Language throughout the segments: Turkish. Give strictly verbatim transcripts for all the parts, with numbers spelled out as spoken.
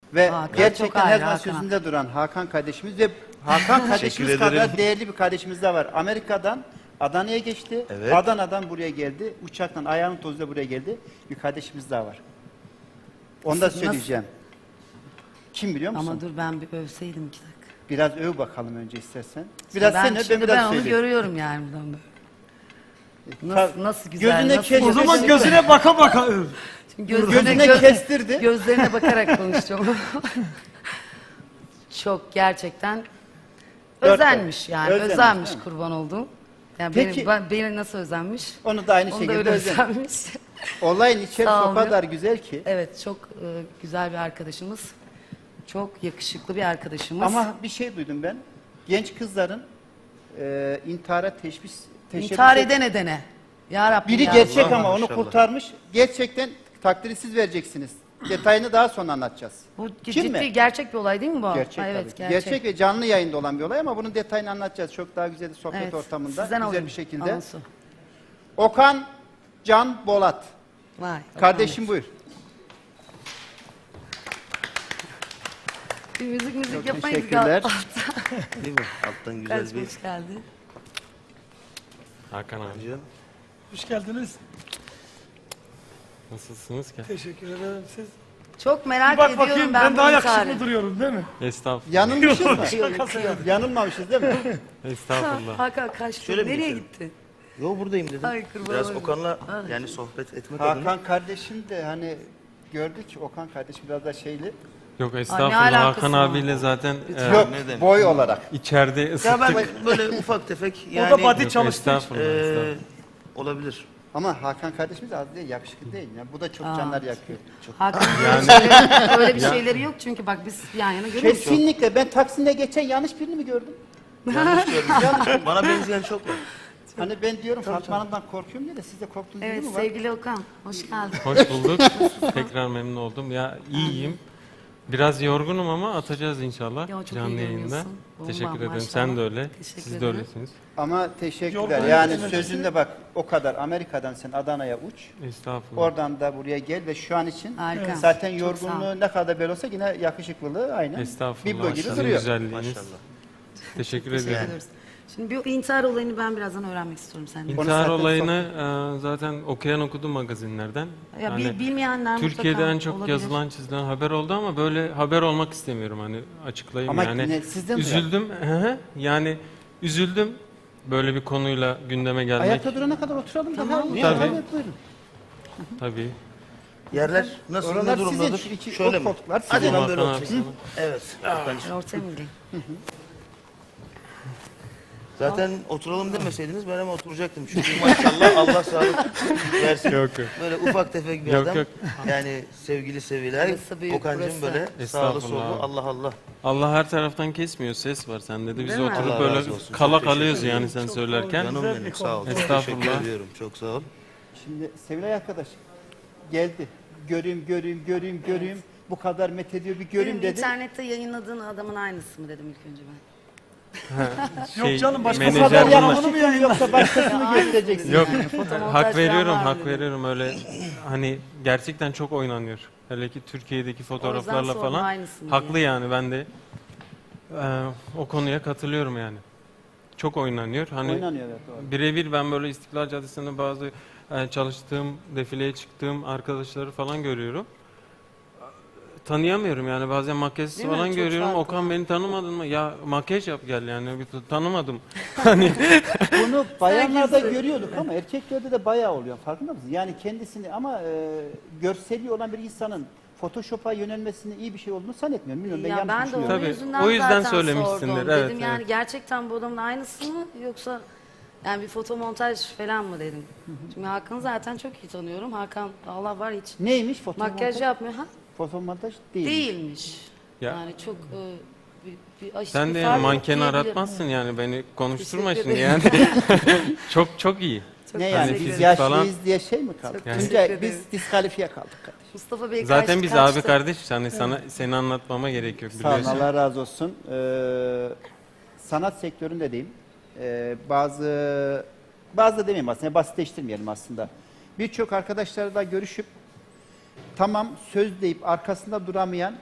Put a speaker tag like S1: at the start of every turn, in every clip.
S1: Ve
S2: Hakan çok
S1: gerçekten her
S2: ayrı,
S1: zaman
S2: Hakan.
S1: sözünde duran Hakan kardeşimiz ve Hakan kardeşimiz
S3: Teşekkür
S1: kadar
S3: ederim.
S1: değerli bir kardeşimiz de var. Amerika'dan Adana'ya geçti.
S3: Evet.
S1: Adana'dan buraya geldi. Uçaktan ayağının tozuyla buraya geldi. Bir kardeşimiz daha var. Onu da
S2: Nasıl-
S1: söyleyeceğim. Kim biliyor musun?
S2: Ama dur ben bir övseydim iki dakika.
S1: Biraz öv bakalım önce istersen. Biraz
S2: ben,
S1: sen öv, ben
S2: şimdi
S1: biraz
S2: ben onu
S1: söyleyeyim.
S2: görüyorum yani buradan böyle. Nasıl, nasıl güzel,
S1: Gözüne
S2: nasıl
S1: kes-
S4: O zaman
S1: Kesinlikle.
S4: gözüne baka baka öv.
S2: Şimdi gözlerine,
S1: Gözüne
S2: gö-
S1: kestirdi.
S2: Gözlerine bakarak konuşacağım. Çok gerçekten
S1: Dört
S2: özenmiş yani.
S1: Özenmiş,
S2: özenmiş
S1: değil mi?
S2: kurban olduğum. Yani
S1: Peki-
S2: beni, ben- beni nasıl özenmiş?
S1: Onu da aynı
S2: Onu da
S1: şekilde
S2: öyle
S1: özenmiş.
S2: özenmiş.
S1: Olayın içerisi
S2: Sağ
S1: o
S2: ol
S1: kadar
S2: ya.
S1: güzel ki.
S2: Evet çok e, güzel bir arkadaşımız. Çok yakışıklı bir arkadaşımız.
S1: Ama bir şey duydum ben. Genç kızların e, intihara teşvis teşebbüs
S2: İntihar
S1: et-
S2: edene edene. Ya Rabbim
S1: Biri
S2: ya.
S1: gerçek
S3: Allah
S1: ama onu
S3: maşallah.
S1: kurtarmış. Gerçekten takdiri siz vereceksiniz. Detayını daha sonra anlatacağız.
S2: Bu
S1: Kim
S2: ciddi
S1: mi?
S2: gerçek bir olay değil mi bu?
S1: Gerçek
S2: Ha,
S1: tabii
S2: evet,
S1: ki.
S2: gerçek.
S1: Gerçek ve canlı yayında olan bir olay ama bunun detayını anlatacağız. Çok daha güzel bir sohbet
S2: Evet,
S1: ortamında.
S2: sizden
S1: Güzel
S2: alayım
S1: bir şekilde.
S2: anonsu.
S1: Okan Can Bolat.
S2: Vay.
S1: Kardeşim buyur.
S2: Bir müzik müzik
S1: Çok
S2: yapmayız.
S1: teşekkürler.
S3: Değil mi? Alttan güzel
S2: Güzel
S3: bir
S2: hoş geldi.
S5: Hakan abi
S3: canım.
S4: Hoş geldiniz.
S5: nasılsınız ki?
S4: Teşekkür ederim siz.
S2: Çok
S4: Bir
S2: merak
S4: bak
S2: ediyorum
S4: bakayım
S2: ben,
S4: ben, daha
S2: bu
S4: yakışıklı
S2: intiharı.
S4: duruyorum değil mi?
S5: Estağfurullah.
S1: Yanılmışız mı?
S2: Yakıyor, yakıyor.
S1: Yanılmamışız değil mi?
S5: Estağfurullah.
S2: Hakan kaçtı.
S3: Şöyle mi
S2: Nereye
S3: geçelim?
S2: gitti?
S3: Yo buradayım dedim.
S2: Ay, kurban
S3: Biraz
S2: olayım.
S3: Okan'la
S2: Ay.
S3: yani sohbet etmek adına.
S1: Hakan kardeşim de hani gördük. Okan kardeşim biraz da şeyli.
S5: Yok
S2: Ay,
S5: estağfurullah.
S2: ne alakası
S5: Hakan
S2: var?
S5: abiyle zaten e,
S1: Yok
S3: ne demek?
S1: boy olarak.
S5: içeride
S3: Ya
S5: ısıttık.
S3: ben böyle ufak tefek yani
S4: o da body
S5: Yok,
S4: çalıştığı için.
S5: estağfurullah,
S3: eee,
S5: estağfurullah.
S3: olabilir.
S1: Ama Hakan kardeşimiz az değil, yakışıklı değil. Yani bu da çok canlar yakıyor.
S2: Hakan yani, öyle bir şeyleri yok çünkü bak biz yan yana görüyoruz.
S1: Kesinlikle. Ben Taksim'de geçen yanlış birini mi gördüm?
S3: Yanlış gördüm. Bana benzeyen çok var.
S1: Hani ben diyorum Fatma Hanım'dan korkuyorum diye de siz de korktuğunuz
S2: Evet
S1: biri mi var?
S2: sevgili Okan hoş geldin.
S5: Hoş bulduk. Tekrar memnun oldum. Ya iyiyim. Biraz yorgunum ama atacağız inşallah
S2: Ya, çok iyi
S5: canlı yayında.
S2: görünüyorsun. Bomba,
S5: Teşekkür ederim.
S2: maşallah.
S5: Sen de öyle.
S2: Teşekkür
S5: Siz de
S2: ederim.
S5: öylesiniz.
S1: Ama teşekkürler.
S4: Yorgun
S1: Yani
S4: yönetimci.
S1: sözünde bak o kadar Amerika'dan sen Adana'ya uç.
S5: Estağfurullah.
S1: Oradan da buraya gel ve şu an için
S2: Harika.
S1: zaten
S2: Çok sağ ol.
S1: yorgunluğu ne kadar böyle olsa yine yakışıklılığı aynen.
S5: Estağfurullah.
S1: Biblo gibi
S5: Sizin
S1: duruyor.
S5: güzelliğiniz.
S3: Maşallah.
S5: Teşekkür
S2: Teşekkür
S5: ederim.
S2: ediyoruz. Şimdi bir intihar olayını ben birazdan öğrenmek istiyorum senden.
S1: Onu
S5: İntihar
S1: zaten
S5: olayını e, zaten okuyan okudu magazinlerden.
S2: Ya
S5: Hani
S2: bil- bilmeyenler
S5: Türkiye'de
S2: mutlaka
S5: en çok
S2: olabilir.
S5: yazılan çizilen haber oldu ama böyle haber olmak istemiyorum hani açıklayayım
S1: Ama
S5: yani.
S1: ne- sizden
S5: üzüldüm. Hı hı. Yani üzüldüm böyle bir konuyla gündeme gelmek.
S1: Ayakta durana kadar oturalım da.
S2: Tamam.
S1: Ha,
S5: Tabii.
S1: evet, buyurun.
S5: Tabii.
S3: Yerler nasıl
S1: Oralar
S3: ne
S1: sizin,
S3: durumdadır?
S1: şu iki
S3: Şöyle
S1: o
S3: mi?
S1: koltuklar
S3: Hadi
S1: sizin.
S3: ben böyle
S5: Hakan abi
S3: oturayım.
S5: sana.
S3: Evet. Ben-
S2: Ben ortaya mı gireyim?
S3: Zaten oturalım demeseydiniz ben hemen oturacaktım. Çünkü maşallah Allah sağlık versin.
S5: Yok yok.
S3: Böyle ufak tefek bir
S5: Yok,
S3: adam.
S5: yok.
S3: Yani sevgili seviler.
S2: Burası büyük,
S3: Okan'cığım
S2: burası.
S3: böyle sağlı
S5: Estağfurullah
S3: sollu
S5: abi.
S3: Allah Allah.
S5: Allah her taraftan kesmiyor. Ses var sende de. Biz
S2: Değil mi?
S5: oturup
S3: Allah
S5: böyle
S3: razı olsun.
S5: kala
S3: Çok
S5: kalıyoruz
S3: teşekkür
S5: yani sen söylerken.
S3: Canım
S4: Güzel
S3: benim
S4: bir
S3: sağ ol.
S4: konu.
S3: Çok
S5: Estağfurullah.
S3: teşekkür ediyorum. Çok sağ ol.
S1: Şimdi Sevilay arkadaş geldi. Göreyim, göreyim, göreyim, göreyim. Bu kadar methediyor bir göreyim
S2: Benim
S1: dedi.
S2: internette yayınladığın adamın aynısı mı dedim ilk önce ben.
S4: Yok canım, başka
S1: Bu
S5: menajer
S1: kadar
S5: bunlar.
S1: yakışıklı mı yoksa başkasını mı göstereceksin?
S5: Yok
S2: Yani fotomontaj
S5: hak
S2: falan
S5: veriyorum
S2: var
S5: hak
S2: dedim.
S5: veriyorum öyle hani gerçekten çok oynanıyor. Hele ki Türkiye'deki fotoğraflarla
S2: sordum,
S5: falan.
S2: aynısını
S5: Haklı
S2: diye.
S5: yani ben de e, o konuya katılıyorum yani. Çok oynanıyor. Hani
S1: Oynanıyor evet doğru.
S5: birebir ben böyle İstiklal Caddesi'nde bazı e, çalıştığım, defileye çıktığım arkadaşları falan görüyorum. Tanıyamıyorum yani bazen makyaj
S2: Değil mi?
S5: falan
S2: Çok
S5: görüyorum.
S2: farklı.
S5: Okan beni tanımadın mı? Ya makyaj yap gel yani. Bir t- tanımadım. Hani
S1: Bunu bayanlarda
S2: Herkes-
S1: görüyorduk ama erkeklerde de bayağı oluyor. Farkında mısın? Yani kendisini ama e, görseli olan bir insanın Photoshop'a yönelmesinin iyi bir şey olduğunu zannetmiyorum. Bilmiyorum ben
S2: Ya
S1: yanlış
S2: ben de
S1: düşünüyorum.
S2: onun
S5: Tabii,
S2: yüzünden,
S5: o yüzden
S2: zaten
S5: söylemişsindir,
S2: sordum.
S5: evet,
S2: Dedim yani
S5: evet.
S2: gerçekten bu adamın aynısı mı yoksa yani bir fotomontaj falan mı dedim. Çünkü Hakan'ı zaten çok iyi tanıyorum. Hakan Allah var hiç
S1: Neymiş fotomontaj?
S2: makyaj yapmıyor. Ha?
S1: Fotomontaj değil.
S2: Değilmiş.
S5: Ya.
S2: Yani çok e, bir, bir aşırı
S5: sen
S2: bir
S5: de
S2: fark
S5: yani
S2: yok
S5: manken
S2: diyebilirim.
S5: aratmazsın yani beni konuşturma
S2: Teşekkür
S5: şimdi yani.
S2: ederim.
S5: çok çok iyi.
S2: Çok
S1: Ne
S2: teşekkür
S1: yani
S5: Hani
S1: biz
S2: ederim.
S5: fizik
S1: yaşlıyız
S5: falan-
S1: diye şey mi kaldık?
S2: Çok
S1: Önce
S2: teşekkür
S1: biz
S2: ederim.
S1: diskalifiye kaldık kardeşim.
S2: Mustafa Bey
S5: Zaten
S2: kaç-
S5: biz
S2: kaçtı?
S5: abi kardeş yani sana seni anlatmama gerek yok
S1: Sağ olun
S5: biliyorsun.
S1: Allah razı olsun. Ee, sanat sektöründe diyeyim. Ee, bazı bazı da demeyeyim aslında basitleştirmeyelim aslında. Birçok arkadaşlarla görüşüp tamam söz deyip arkasında duramayan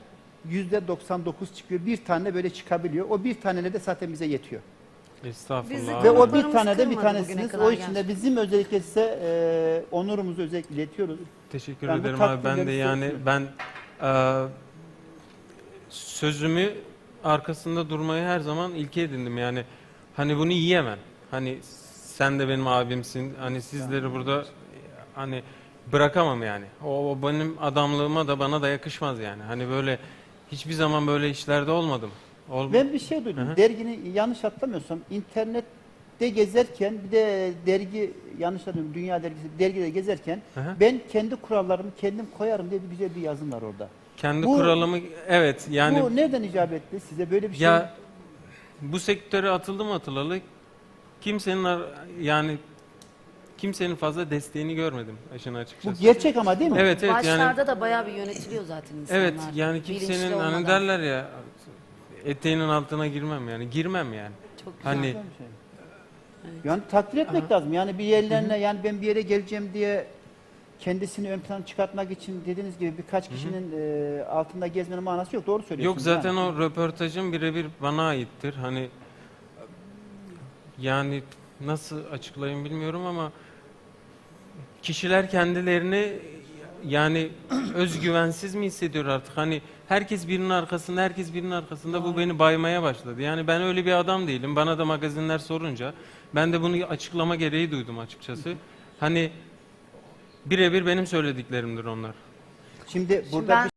S1: yüzde doksan dokuz çıkıyor. Bir tane böyle çıkabiliyor. O bir taneyle de zaten bize yetiyor.
S5: Estağfurullah.
S2: Bizim
S5: abi.
S1: Ve o bir
S2: Konuklarımız
S1: tane de bir
S2: kırmadı bugüne
S1: tanesiniz.
S2: kadar
S1: O için de
S2: gerçekten.
S1: bizim özellikle size e, onurumuzu özellikle iletiyoruz.
S5: Teşekkür
S1: Ben bu
S5: ederim abi. Ben de
S1: takdirleri
S5: yani
S1: seviyorum.
S5: ben e, sözümü arkasında durmayı her zaman ilke edindim. Yani hani bunu yiyemem. Hani sen de benim abimsin. Hani sizleri burada e, hani bırakamam yani. O, o benim adamlığıma da bana da yakışmaz yani. Hani böyle hiçbir zaman böyle işlerde olmadım. Ol
S1: Ben bir şey duydum.
S5: Hı hı.
S1: Dergini yanlış hatırlamıyorsam internette gezerken bir de dergi yanlış hatırlamıyorum Dünya dergisi dergide gezerken
S5: Hı hı.
S1: ben kendi kurallarımı kendim koyarım diye bir güzel bir yazım var orada.
S5: Kendi
S1: Bu-
S5: kuralımı evet yani
S1: Bu nereden icap etti? Size böyle bir şey?
S5: ya bu sektöre atıldım atılalı kimsenin ar- yani kimsenin fazla desteğini görmedim işin
S1: Bu
S5: açıkçası.
S1: gerçek ama değil mi?
S5: Evet evet yani
S2: Başlarda da bayağı bir yönetiliyor zaten insanlar.
S5: evet yani
S2: bilinçli
S5: kimsenin hani
S2: olmadan.
S5: derler ya eteğinin altına girmem yani girmem yani.
S2: Çok güzel.
S5: Hani
S1: Güzel bir şey. Yani takdir etmek lazım. Yani bir yerlerine yani ben bir yere geleceğim diye kendisini ön plana çıkartmak için dediğiniz gibi birkaç kişinin e, altında gezmenin manası yok. Doğru
S5: yok
S1: söylüyorsunuz.
S5: zaten
S1: yani.
S5: o röportajın birebir bana aittir. Hani yani nasıl açıklayayım bilmiyorum ama kişiler kendilerini yani özgüvensiz mi hissediyor artık? Hani herkes birinin arkasında, herkes birinin arkasında bu beni baymaya başladı. Yani ben öyle bir adam değilim. Bana da magazinler sorunca ben de bunu açıklama gereği duydum açıkçası. Hani birebir benim söylediklerimdir onlar.
S1: Şimdi burada
S2: ben-
S1: bir